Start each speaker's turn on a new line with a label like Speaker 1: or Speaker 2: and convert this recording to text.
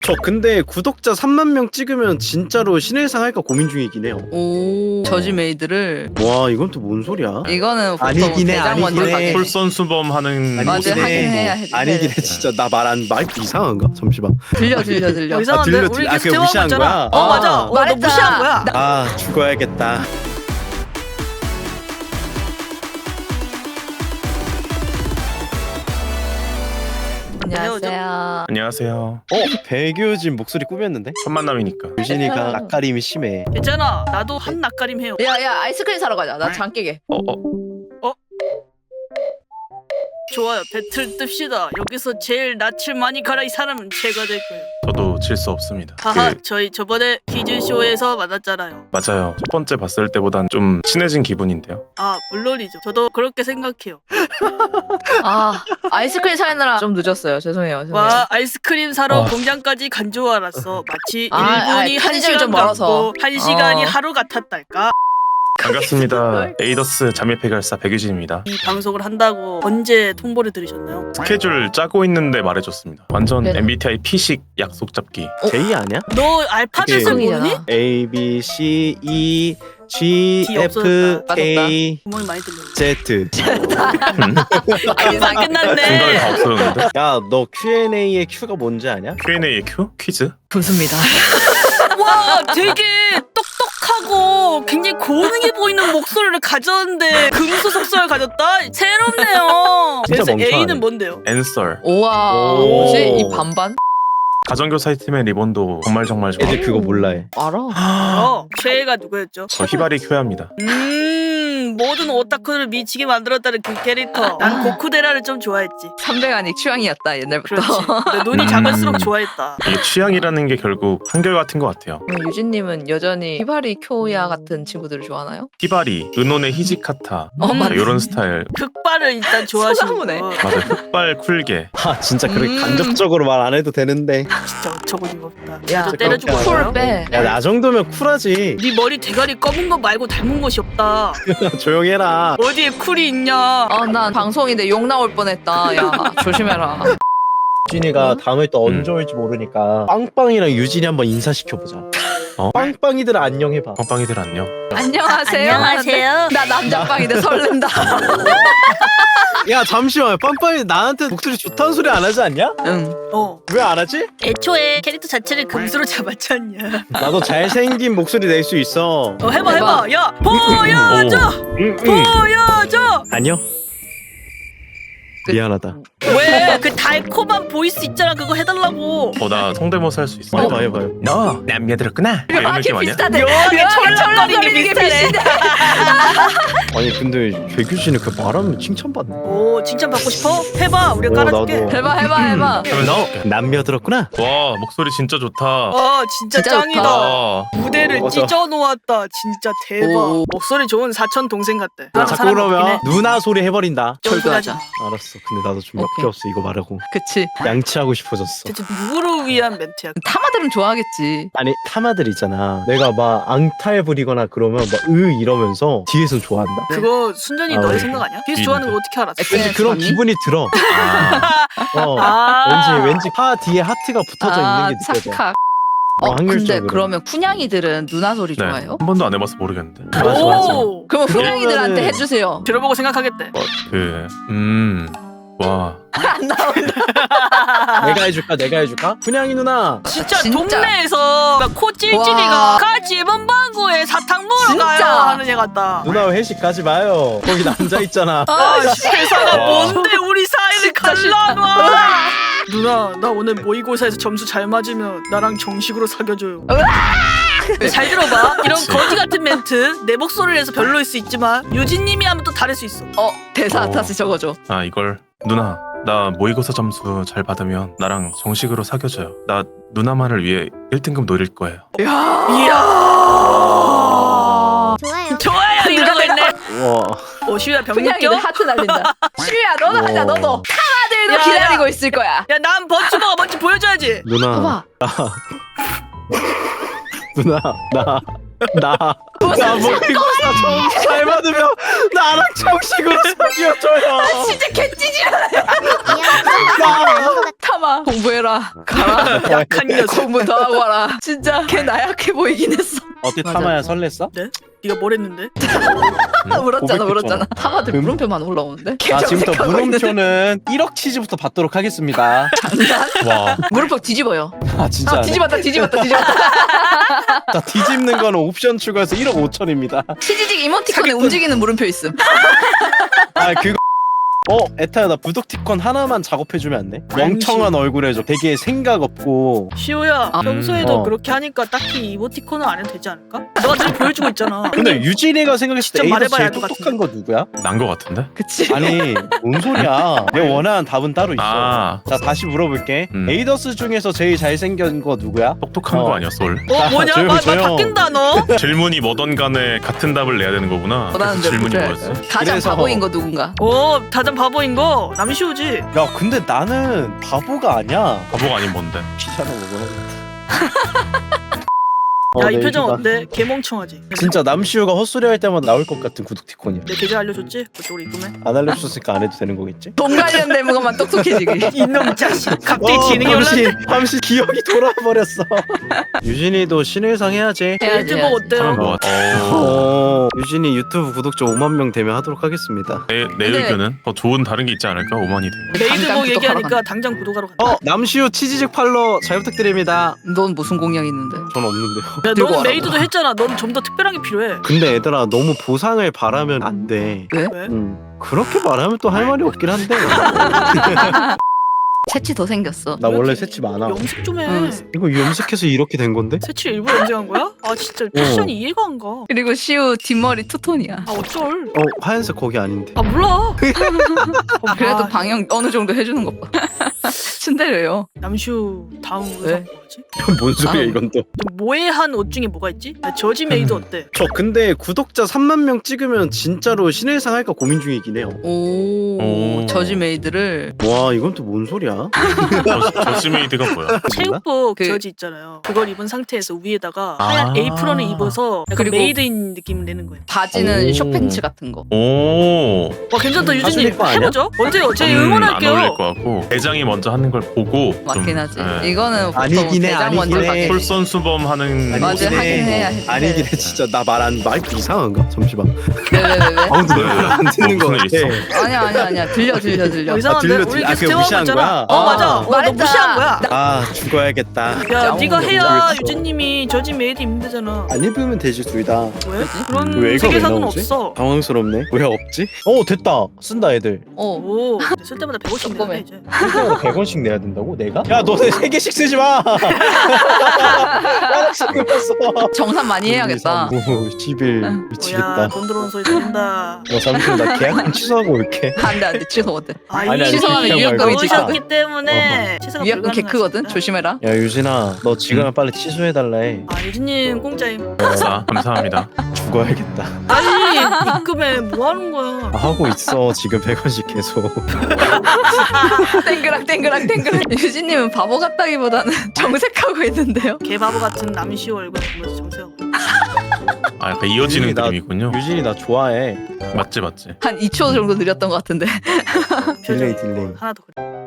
Speaker 1: 저 근데 구독자 3만 명 찍으면 진짜로 신일상 할까 고민 중이긴 해요.
Speaker 2: 오 저지메이드를.
Speaker 1: 와 이건 또 뭔 소리야?
Speaker 2: 이거는 보통
Speaker 1: 아니긴 해,
Speaker 2: 대장 먼저
Speaker 1: 아니긴 해.
Speaker 2: 가게.
Speaker 3: 솔선수범하는
Speaker 2: 맞아,
Speaker 1: 아니긴
Speaker 2: 하긴
Speaker 1: 해.
Speaker 2: 해야 해.
Speaker 1: 아니긴 해 진짜. 나 마이크 이상한가? 잠시만.
Speaker 2: 들려.
Speaker 4: 이상한데? 우리
Speaker 1: 아,
Speaker 4: 계속
Speaker 1: 그게 무시한
Speaker 4: 대화하고
Speaker 1: 거야?
Speaker 4: 있잖아. 맞아. 너
Speaker 2: 말했잖아.
Speaker 4: 무시한 거야.
Speaker 1: 아 죽어야겠다.
Speaker 2: 안녕하세요.
Speaker 3: 안녕하세요.
Speaker 1: 배규진 목소리 꾸몄는데?
Speaker 3: 첫 만남이니까.
Speaker 1: 유진이가 낯가림이 심해.
Speaker 4: 괜찮아. 나도 한 낯가림 해요.
Speaker 2: 야야 아이스크림 사러 가자. 나 장 깨게.
Speaker 4: 좋아요. 배틀 뜹시다. 여기서 제일 낯을 많이 가라 이 사람은 제가 될 거예요.
Speaker 3: 저도 질 수 없습니다.
Speaker 4: 하하, 저희 저번에 퀴즈쇼에서 만났잖아요.
Speaker 3: 맞아요. 첫 번째 봤을 때보단 좀 친해진 기분인데요.
Speaker 4: 아, 물론이죠. 저도 그렇게 생각해요.
Speaker 2: 아 아이스크림 사느라 좀 늦었어요. 죄송해요.
Speaker 4: 와, 아이스크림 사러
Speaker 3: 아.
Speaker 4: 공장까지 간 줄 알았어. 마치
Speaker 2: 아,
Speaker 4: 1분이
Speaker 2: 편의점이
Speaker 4: 1시간
Speaker 2: 좀 멀어서.
Speaker 4: 같고 1시간이 하루 같았달까?
Speaker 3: 반갑습니다. 에이더스 자매폐결사 백유진입니다.
Speaker 4: 이 방송을 한다고 언제 통보를 들으셨나요?
Speaker 3: 스케줄 짜고 있는데 말해줬습니다. 완전
Speaker 2: 네네.
Speaker 3: MBTI P식 약속 잡기.
Speaker 1: J 아니야?
Speaker 4: 너 알파벳을
Speaker 1: 그게-
Speaker 4: 모르니?
Speaker 1: A B C E G
Speaker 4: D
Speaker 1: F
Speaker 4: 없어졌다.
Speaker 1: K
Speaker 4: 구멍이 많이 들려.
Speaker 1: Z.
Speaker 4: 아, 인사
Speaker 3: 중간에
Speaker 4: 끝났네.
Speaker 3: 다 없었는데.
Speaker 1: 야 너 Q&A의 Q가 뭔지 아냐?
Speaker 3: Q&A의 Q? 퀴즈?
Speaker 2: 좋습니다.
Speaker 4: 와, 되게 똑똑하고 굉장히 고능해 보이는 목소리를 가졌는데 금수속성을 가졌다? 새롭네요.
Speaker 1: 진짜
Speaker 4: 그래서
Speaker 1: 멍청하네.
Speaker 4: A는 뭔데요?
Speaker 3: 앤서.
Speaker 2: 우와
Speaker 1: 오.
Speaker 2: 뭐지 이 반반?
Speaker 3: 가정교사 팀의 리본도 정말 좋아.
Speaker 1: 애들 그거 몰라해.
Speaker 2: 알아.
Speaker 4: 최애가 누구였죠?
Speaker 3: 저 히바리 큐야입니다.
Speaker 4: 모든 오타쿠를 미치게 만들었다는 그 캐릭터. 난 고쿠데라를 좀 좋아했지.
Speaker 2: 300안이 취향이었다 옛날부터.
Speaker 4: 그렇지. 근데 눈이 작을수록 좋아했다.
Speaker 3: 이 취향이라는 게 결국 한결같은 것 같아요.
Speaker 2: 그럼 유진님은 여전히 히바리 쿄야 같은 친구들을 좋아하나요?
Speaker 3: 히바리, 은혼의 히지카타
Speaker 2: 맞네.
Speaker 3: 이런 스타일.
Speaker 4: 흑발을 일단 좋아하시는
Speaker 2: 소나무네.
Speaker 4: 거.
Speaker 3: 맞아요. 흑발 쿨게.
Speaker 1: 아 진짜 그렇게 간접적으로 말 안 해도 되는데.
Speaker 4: 진짜 어처구니가 없다.
Speaker 2: 야,
Speaker 4: 저 때려주고
Speaker 1: 그렇게
Speaker 4: 싶어요.
Speaker 2: 쿨 빼.
Speaker 1: 야 나 정도면 쿨하지.
Speaker 4: 네 머리 대가리 검은 거 말고 닮은 것이 없다.
Speaker 1: 조용해라.
Speaker 4: 어디에 쿨이 있냐?
Speaker 2: 난 방송인데 욕 나올 뻔했다. 야 조심해라.
Speaker 1: 유진이가 다음에 또 언제 올지 모르니까 빵빵이랑 유진이 한번 인사시켜보자.
Speaker 3: 어?
Speaker 1: 빵빵이들 안녕해봐.
Speaker 3: 빵빵이들 안녕.
Speaker 2: 안녕하세요.
Speaker 4: 안녕하세요.
Speaker 2: 나 남자빵인데 설렌다.
Speaker 1: 야 잠시만, 빵빵이 나한테 목소리 좋다는 소리 안 하지 않냐?
Speaker 2: 응.
Speaker 1: 왜 안 하지?
Speaker 4: 애초에 캐릭터 자체를 금수로 잡았지 않냐?
Speaker 1: 나도 잘생긴 목소리 낼 수 있어.
Speaker 4: 해봐. 야, 보여줘! 보여줘!
Speaker 1: 아니요. 미안하다.
Speaker 4: 왜? 그 달콤한 보이스 있잖아. 그거 해달라고.
Speaker 3: 나 성대모사 할 수 있어.
Speaker 1: 해봐요.
Speaker 3: 너 남녀 들었구나. 이런 느낌 아니야?
Speaker 2: 비슷하대.
Speaker 4: 묘하게
Speaker 2: 철렁거리는
Speaker 4: 철렁거리는
Speaker 2: 이게
Speaker 4: 비슷하네.
Speaker 2: 비슷해.
Speaker 1: 아니 근데 백유진이 그 말하면 칭찬받네.
Speaker 4: 오, 칭찬받고 싶어? 해봐. 우리가 깔아줄게.
Speaker 1: 나도.
Speaker 2: 해봐.
Speaker 3: 그러면 너.
Speaker 1: 남녀 들었구나.
Speaker 3: 와 목소리 진짜 좋다.
Speaker 4: 진짜
Speaker 2: 진짜
Speaker 4: 짱이다.
Speaker 2: 좋다.
Speaker 3: 와.
Speaker 4: 무대를
Speaker 1: 맞아.
Speaker 4: 찢어놓았다. 진짜 대박.
Speaker 2: 오.
Speaker 4: 목소리 좋은 사촌 동생 같대.
Speaker 1: 나 자꾸 그러면 누나 소리 해버린다.
Speaker 2: 철도하자.
Speaker 1: 알았어. 근데 나도 좀
Speaker 2: 오케이.
Speaker 1: 역겹어 이거 말하고.
Speaker 2: 그치.
Speaker 1: 양치하고 싶어졌어.
Speaker 4: 대체 누구를 위한 멘트야?
Speaker 2: 타마들은 좋아하겠지.
Speaker 1: 아니 타마들 있잖아. 내가 막 앙탈 부리거나 그러면 막 이러면서 뒤에서 좋아한다.
Speaker 4: 그거 순전히
Speaker 1: 아,
Speaker 4: 너의
Speaker 1: 네.
Speaker 4: 생각 아니야? 비스 좋아하는 걸 어떻게 알았어?
Speaker 1: 왠지
Speaker 2: SNS
Speaker 1: 그런
Speaker 2: 봤니?
Speaker 1: 기분이 들어. 왠지 파 뒤에 하트가 붙어져 있는 게 느껴져.
Speaker 2: 착각. 근데
Speaker 1: 확률적으로.
Speaker 2: 그러면 쿤냥이들은 누나 소리
Speaker 3: 네.
Speaker 2: 좋아해요?
Speaker 3: 한 번도 안 해봐서 모르겠는데.
Speaker 1: 맞아.
Speaker 4: 오!
Speaker 2: 그러면
Speaker 1: 그러면은-
Speaker 2: 쿤냥이들한테 해주세요.
Speaker 4: 들어보고 생각하겠대.
Speaker 3: 와.
Speaker 2: 안 나온다.
Speaker 1: 내가 해줄까? 분양이 누나.
Speaker 4: 진짜,
Speaker 2: 진짜.
Speaker 4: 동네에서 코 찔찔이가
Speaker 2: 와.
Speaker 4: 같이 문방구에 사탕 먹으러
Speaker 2: 진짜.
Speaker 4: 가요 하는 애 같다.
Speaker 1: 누나 회식 가지 마요. 거기 남자 있잖아.
Speaker 4: 세상아
Speaker 3: 와.
Speaker 4: 뭔데 우리 사이를
Speaker 2: 진짜 싫다.
Speaker 4: 갈라놔. 누나 나 오늘 모의고사에서 점수 잘 맞으면 나랑 정식으로 사귀어줘요. 잘 들어봐. 이런
Speaker 3: 그치.
Speaker 4: 거지 같은 멘트 내 목소리를 해서 별로일 수 있지만 유진님이 하면 또 다를 수 있어.
Speaker 2: 대사
Speaker 3: 어.
Speaker 2: 다시 적어줘.
Speaker 3: 이걸 누나 나 모의고사 점수 잘 받으면 나랑 정식으로 사귀어줘요. 나 누나만을 위해 1등급 노릴 거예요.
Speaker 4: 이야. 좋아요 이러고 있네.
Speaker 1: 와.
Speaker 4: 슈야 병
Speaker 2: 쿤냥이들
Speaker 4: 느껴?
Speaker 2: 하트 날린다. 슈야 너도 하자 너도. 타마들도
Speaker 4: 야,
Speaker 2: 기다리고
Speaker 4: 야.
Speaker 2: 있을 거야.
Speaker 4: 야 난 버츠버가 뭔지 보여줘야지.
Speaker 1: 누나.
Speaker 2: 봐봐.
Speaker 1: 누나. 나 모의고사 점수 잘 받으면 나랑 정식으로 사귀어줘요.
Speaker 2: 진짜 개찌질하네. 참아. 공부해라. 가라.
Speaker 4: 약한 녀석.
Speaker 2: 공부 더 하고 와라. 진짜 걔 나약해 보이긴 했어.
Speaker 5: 어때
Speaker 2: 맞아.
Speaker 5: 타마야 설렜어?
Speaker 4: 네가 뭘 했는데?
Speaker 2: 울었잖아 울었잖아. 타마들
Speaker 1: 금-
Speaker 2: 물음표만 올라오는데.
Speaker 5: 자 지금부터
Speaker 2: 검색하고 있는데.
Speaker 5: 물음표는 1억 치즈부터 받도록 하겠습니다.
Speaker 3: 와.
Speaker 2: 물음표 뒤집어요.
Speaker 5: 아 진짜.
Speaker 2: 아 뒤집었다.
Speaker 5: 자 뒤집는 거는 옵션 추가해서 1억 5천입니다.
Speaker 2: 치지직 이모티콘에 움직이는 물음표 있음.
Speaker 5: 아 그거. 에타야 나 부독티콘 하나만 작업해주면 안 돼? 멍청한 얼굴 해줘. 되게 생각 없고.
Speaker 4: 시호야 평소에도
Speaker 1: 어.
Speaker 4: 그렇게 하니까 딱히 이모티콘은 안 해도 되지 않을까? 너가 늘 보여주고 있잖아.
Speaker 5: 근데 유진이가 생각했을 때
Speaker 4: 직접
Speaker 5: A에서
Speaker 4: 말해봐야
Speaker 5: 제일
Speaker 4: 알 것
Speaker 5: 똑똑한 거 누구야?
Speaker 3: 난 거 같은데?
Speaker 2: 그치.
Speaker 5: 아니 뭔 소리야. 내 원하는 답은 따로 있어.
Speaker 3: 아.
Speaker 5: 자 다시 물어볼게. 에이더스 중에서 제일 잘생긴 거 누구야?
Speaker 3: 똑똑한 거 아니었어 올?
Speaker 4: 뭐냐?
Speaker 5: 조용,
Speaker 4: 말
Speaker 5: 조용.
Speaker 4: 바뀐다 너.
Speaker 3: 질문이 뭐던 간에 같은 답을 내야 되는 거구나.
Speaker 2: 원하는
Speaker 3: 그래서
Speaker 2: 대로
Speaker 3: 질문이
Speaker 2: 해야
Speaker 3: 뭐였어?
Speaker 2: 돼. 가장
Speaker 5: 그래서-
Speaker 2: 바보인 거 누군가.
Speaker 4: 가장 바보인 거 남시호지.
Speaker 5: 야 근데 나는 바보가 아니야.
Speaker 3: 바보가 아닌 뭔데?
Speaker 5: 귀찮아 먹어.
Speaker 4: 야
Speaker 1: 네,
Speaker 4: 이 표정
Speaker 1: 이거다.
Speaker 4: 어때? 개멍청하지.
Speaker 5: 진짜 남시우가 헛소리 할 때마다 나올 것 같은 구독티콘이야.
Speaker 4: 내 계좌 알려줬지? 그쪽으로 입금해.
Speaker 5: 안 알려줬으니까 안 해도 되는 거겠지?
Speaker 2: 돈 관련된 것만 똑똑해지기.
Speaker 4: 이놈 자식. 갑자기 지능이 올랐네.
Speaker 5: 잠시 기억이 돌아버렸어. 유진이도 신의상 해야지.
Speaker 2: 해야지.
Speaker 4: 유튜버 어때요?
Speaker 3: 하면 뭐 같아?
Speaker 1: 유진이 유튜브 구독자 5만 명 되면 하도록 하겠습니다.
Speaker 3: 내
Speaker 2: 근데-
Speaker 3: 의견은 더 좋은 다른 게 있지 않을까? 5만이 돼.
Speaker 4: 메이드복
Speaker 2: 당장
Speaker 4: 얘기하니까
Speaker 2: 구독하러
Speaker 4: 당장 구독하러 간다.
Speaker 5: 남시우 치즈직 팔로 잘 부탁드립니다.
Speaker 2: 넌 무슨 공약 있는데?
Speaker 1: 전 없는데요.
Speaker 4: 야,
Speaker 2: 들고
Speaker 4: 너는
Speaker 2: 와라고.
Speaker 4: 메이드도 했잖아. 넌 좀 더 특별한 게 필요해.
Speaker 1: 근데 얘들아 너무 보상을 바라면 안 돼.
Speaker 4: 왜?
Speaker 1: 그렇게 말하면 또 할 말이 없긴 한데.
Speaker 2: 채치 더 생겼어.
Speaker 1: 나 원래 새치 많아.
Speaker 4: 염색 좀 해.
Speaker 2: 응.
Speaker 1: 이거 염색해서 이렇게 된 건데?
Speaker 4: 새치 일부러 염색한 거야? 아 진짜 패션이 이해가 안 가.
Speaker 2: 그리고 시우 뒷머리 투톤이야.
Speaker 4: 아 어쩔.
Speaker 1: 하얀색 거기 아닌데.
Speaker 4: 아 몰라.
Speaker 2: 그래도
Speaker 4: 아,
Speaker 2: 방영 어느 정도 해주는 것 봐. 춘대려요.
Speaker 4: 남슈 다음
Speaker 2: 왜?
Speaker 4: 의상 뭐지?
Speaker 1: 뭔 소리야
Speaker 2: 아.
Speaker 1: 이건 또.
Speaker 4: 좀 모해한 옷 중에 뭐가 있지? 나 저지 메이드 어때?
Speaker 1: 저 근데 구독자 3만 명 찍으면 진짜로 신의상 할까 고민 중이긴 해요.
Speaker 2: 오,
Speaker 3: 오.
Speaker 2: 저지 메이드를.
Speaker 1: 와 이건 또 뭔 소리야?
Speaker 3: 저스메이드가 뭐야?
Speaker 4: 체육복
Speaker 2: 그-
Speaker 4: 저지 있잖아요. 그걸 입은 상태에서 위에다가
Speaker 3: 아.
Speaker 4: 하얀 에이프런을 입어서 약간
Speaker 2: 그리고-
Speaker 4: 메이드인 느낌을 내는 거예요.
Speaker 2: 바지는
Speaker 1: 오.
Speaker 2: 쇼팬츠 같은 거.
Speaker 3: 오.
Speaker 4: 와 괜찮다 유진님.
Speaker 1: 하수님 거 아니야?
Speaker 4: 해보죠. 언제요? 제
Speaker 3: 안 어울릴
Speaker 4: 응원할게요.
Speaker 3: 것 같고 대장이 먼저 하는 걸 보고
Speaker 2: 맞긴
Speaker 3: 좀,
Speaker 2: 하지.
Speaker 3: 예.
Speaker 2: 이거는 보통
Speaker 1: 아니긴 해,
Speaker 2: 대장 먼저
Speaker 1: 아니긴 해.
Speaker 2: 가게.
Speaker 3: 솔선수범하는
Speaker 2: 맞아,
Speaker 3: 모습.
Speaker 2: 하긴 해야
Speaker 1: 아니긴 해 진짜. 나 말 안 마이크 이상한가? 잠시만.
Speaker 2: 왜?
Speaker 1: 아무도 내말안 듣는 거
Speaker 3: 뭐
Speaker 1: 같아.
Speaker 3: 무슨 일
Speaker 2: 아니야. 들려.
Speaker 4: 이상한데
Speaker 1: 들렸지?
Speaker 4: 우리
Speaker 1: 아,
Speaker 4: 계속
Speaker 1: 그거
Speaker 4: 대화하고
Speaker 1: 무시한
Speaker 4: 있잖아.
Speaker 1: 거야?
Speaker 4: 맞아.
Speaker 1: 아.
Speaker 4: 너
Speaker 2: 말했잖아.
Speaker 4: 무시한 거야.
Speaker 1: 아 죽어야겠다.
Speaker 4: 야
Speaker 2: 진짜
Speaker 4: 네가
Speaker 2: 어머니
Speaker 4: 해야
Speaker 1: 모르겠어.
Speaker 4: 유진님이 저지 메이드 입는 데잖아.
Speaker 1: 안 입으면 되지 둘 다.
Speaker 4: 왜? 그런
Speaker 1: 왜 이거 왜
Speaker 4: 세계사는
Speaker 1: 나오지?
Speaker 4: 없어.
Speaker 1: 당황스럽네. 왜 없지? 됐다. 쓴다 애들.
Speaker 4: 오, 쓸 때마다 150 내야 돼 이제.
Speaker 1: 100원씩 내야 된다고? 내가? 야 너네 3개씩 쓰지 마. 하나씩 끊었어.
Speaker 2: 정산 많이 해야겠다.
Speaker 1: 10일
Speaker 4: 뭐야
Speaker 1: 미치겠다.
Speaker 4: 돈 들어오는 소리 들린다.
Speaker 1: 잠시만 나 계약금 취소하고 올게.
Speaker 2: 안돼 취소 못해.
Speaker 1: 아니, 아니,
Speaker 2: 취소하면
Speaker 1: 그냥
Speaker 2: 유효금이
Speaker 1: 말고.
Speaker 2: 지금
Speaker 4: 넣으셨기 때문에 취소가
Speaker 2: 위약금 개 크거든.
Speaker 4: 불가능하십니다.
Speaker 2: 조심해라.
Speaker 1: 야 유진아 너 지금 빨리 취소해달라 해.
Speaker 4: 아 유진님 공짜임.
Speaker 3: 감사합니다.
Speaker 1: 죽어야겠다.
Speaker 4: 빨리 입금해. 뭐 하는 거야?
Speaker 1: 하고 있어 지금 100원씩 계속.
Speaker 2: 땡그랑. 유진님은 바보 같다기보다는 정색하고 있는데요.
Speaker 4: 개바보 같은 남시호 얼굴 보면서 정세하고.
Speaker 3: 아 약간 이어지는
Speaker 1: 유진이 나-
Speaker 3: 그림이군요.
Speaker 1: 유진이 나 좋아해.
Speaker 3: 맞지.
Speaker 2: 한 2초 정도 느렸던 것 같은데.
Speaker 1: 딜레이 딜레이.
Speaker 4: 하나 더 그래.